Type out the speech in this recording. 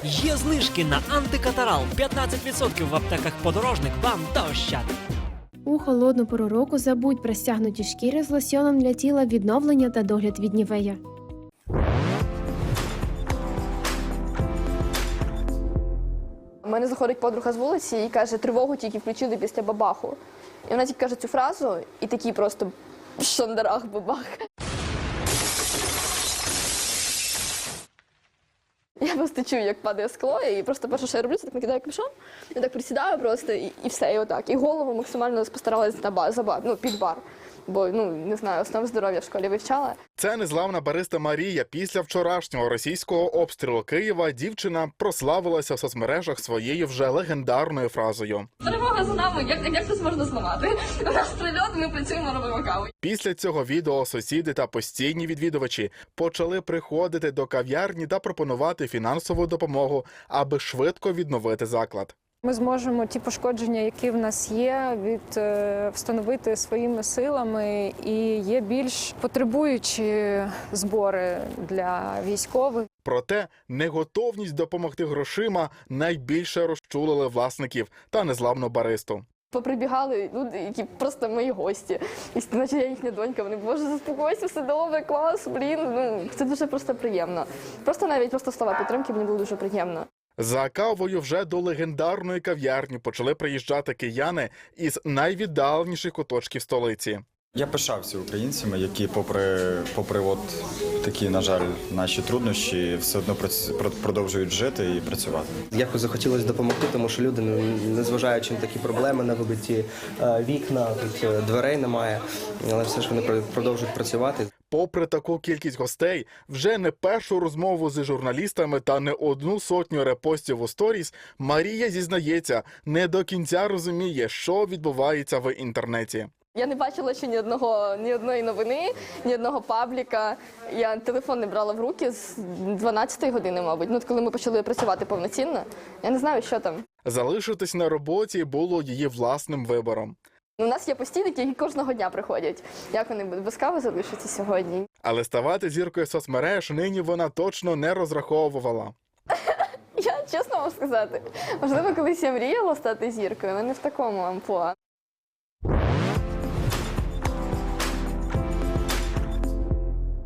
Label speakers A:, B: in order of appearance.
A: Є знижки на антикатарал 15% в аптеках «Подорожник», «Бам» та «Ощад».
B: У холодну пору року забудь про стягнуті шкіри з лосьйоном для тіла, відновлення та догляд від Нівея.
C: У мене заходить подруга з вулиці і каже, тривогу тільки включили після бабаху. І вона тільки каже цю фразу, і такий просто шандарах бабах. Я просто чую, як падає скло, і просто перше, що я роблю, це так накидаю капюшон, я так присідаю просто, і все, і отак. І голову максимально постаралась під бар. Бо, не знаю, основ здоров'я в школі вивчала.
D: Це незламна бариста Марія. Після вчорашнього російського обстрілу Києва дівчина прославилася в соцмережах своєю вже легендарною фразою.
E: Перемога за нами, як це можна зламати? У нас прильот, ми працюємо, робимо каву.
D: Після цього відео сусіди та постійні відвідувачі почали приходити до кав'ярні та пропонувати фінансову допомогу, аби швидко відновити заклад.
F: Ми зможемо ті пошкодження, які в нас є, встановити своїми силами, і є більш потребуючі збори для військових.
D: Проте неготовність допомогти грошима найбільше розчулили власників та незламну баристу.
C: Поприбігали люди, які просто мої гості. І наче я їхня донька, вони, боже, заспокойся, все добре, клас, це дуже просто приємно. Просто слова підтримки мені було дуже приємно.
D: За кавою вже до легендарної кав'ярні почали приїжджати кияни із найвіддаленіших куточків столиці.
G: Я пишався українцями, які попри от такі, на жаль, наші труднощі, все одно продовжують жити і працювати.
H: Якось захотілося допомогти, тому що люди, незважаючи на такі проблеми, на вибиті вікна, тут дверей немає, але все ж вони продовжують працювати.
D: Попри таку кількість гостей, вже не першу розмову з журналістами та не одну сотню репостів у сторіс, Марія зізнається, не до кінця розуміє, що відбувається в інтернеті.
C: Я не бачила ще ні одної новини, ні одного пабліка. Я телефон не брала в руки з 12-ї години, мабуть, коли ми почали працювати повноцінно. Я не знаю, що там.
D: Залишитись на роботі було її власним вибором.
C: У нас є постійники, які кожного дня приходять. Як вони без кави залишаться сьогодні?
D: Але ставати зіркою соцмереж нині вона точно не розраховувала.
C: Я чесно вам сказати, можливо, колись я мріяла стати зіркою, але не в такому амплуа.